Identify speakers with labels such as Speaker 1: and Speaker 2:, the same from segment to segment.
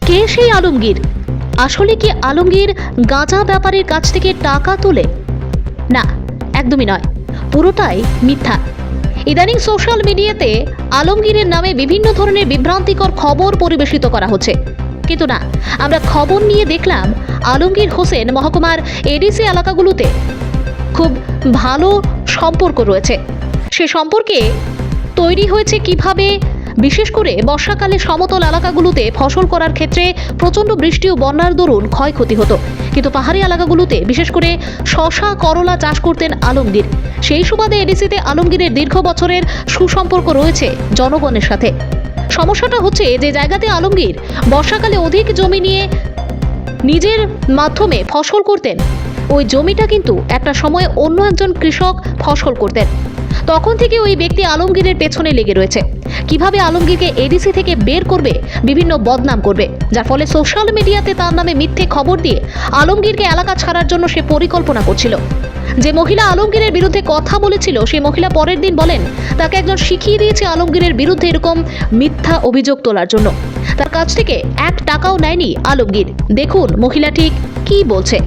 Speaker 1: কে সেই আলমগীর? আসলে কি আলমগীর গাঁজা ব্যাপারীর কাছ থেকে টাকা তোলে? না, একদমই নয়, পুরোটাই মিথ্যা। ইদানিং সোশ্যাল মিডিয়াতে আলমগীরের নামে বিভিন্ন ধরনের বিভ্রান্তিকর খবর পরিবেশিত করা হচ্ছে, কিন্তু না, আমরা খবর নিয়ে দেখলাম আলমগীর হোসেন মহকুমার এডিসি এলাকাগুলোতে খুব ভালো সম্পর্ক রয়েছে। সে সম্পর্কে তৈরি হয়েছে কিভাবে, বিশেষ করে বর্ষাকালে সমতল এলাকাগুলোতে ফসল করার ক্ষেত্রে প্রচণ্ড বৃষ্টি ও বন্যার দরুন ক্ষয়ক্ষতি হতো, কিন্তু পাহাড়ি এলাকাগুলোতে বিশেষ করে শশা করলা চাষ করতেন আলমগীর। সেই সুবাদে এডিসিতে আলমগীরের দীর্ঘ বছরের সুসম্পর্ক রয়েছে জনগণের সাথে। সমস্যাটা হচ্ছে যে জায়গাতে আলমগীর বর্ষাকালে অধিক জমি নিয়ে নিজের মাধ্যমে ফসল করতেন, ওই জমিটা কিন্তু একটা সময় অন্য একজন কৃষক ফসল করতেন। তখন থেকে ওই ব্যক্তি আলমগীরের পেছনে লেগে রয়েছে, কিভাবে আলমগীরকে এডিসি থেকে বের করবে, বিভিন্ন বদনাম করবে, যার ফলে সোশ্যাল মিডিয়াতে তার নামে মিথ্যে খবর দিয়ে আলমগীরকে এলাকা ছাড়ার জন্য সে পরিকল্পনা করছিল। যে মহিলা আলমগীরের বিরুদ্ধে কথা বলেছিল, সেই মহিলা পরের দিন বলেন তাকে একজন শিখিয়ে দিয়েছে আলমগীরের বিরুদ্ধে এরকম মিথ্যা অভিযোগ তোলার জন্য। তার কাছ থেকে 1 টাকাও নেয়নি আলমগীর। দেখুন মহিলা ঠিক কি বলছে।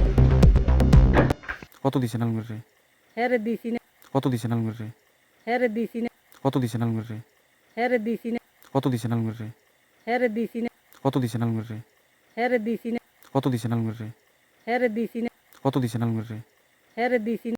Speaker 2: কত দিছেন আলমগীর রে?
Speaker 3: হ্যাঁ রে দিছি না,
Speaker 2: কত দিছেন আলমগীর রে?
Speaker 3: হ্যাঁ রে দিছি না,
Speaker 2: কত দিছেন আলমগীর রে?
Speaker 3: হ্যাঁ রে দিছি না,
Speaker 2: কত দিছেন আলমগীর রে?
Speaker 3: হ্যাঁ রে দিছি না,
Speaker 2: কত দিছেন আলমগীর রে?
Speaker 3: হ্যাঁ রে দিছি না,
Speaker 2: কত দিছেন আলমগীর রে?
Speaker 3: হ্যাঁ রে দিছি না,
Speaker 2: কত দিছেন আলমগীর রে?
Speaker 3: হ্যাঁ রে দিছি না।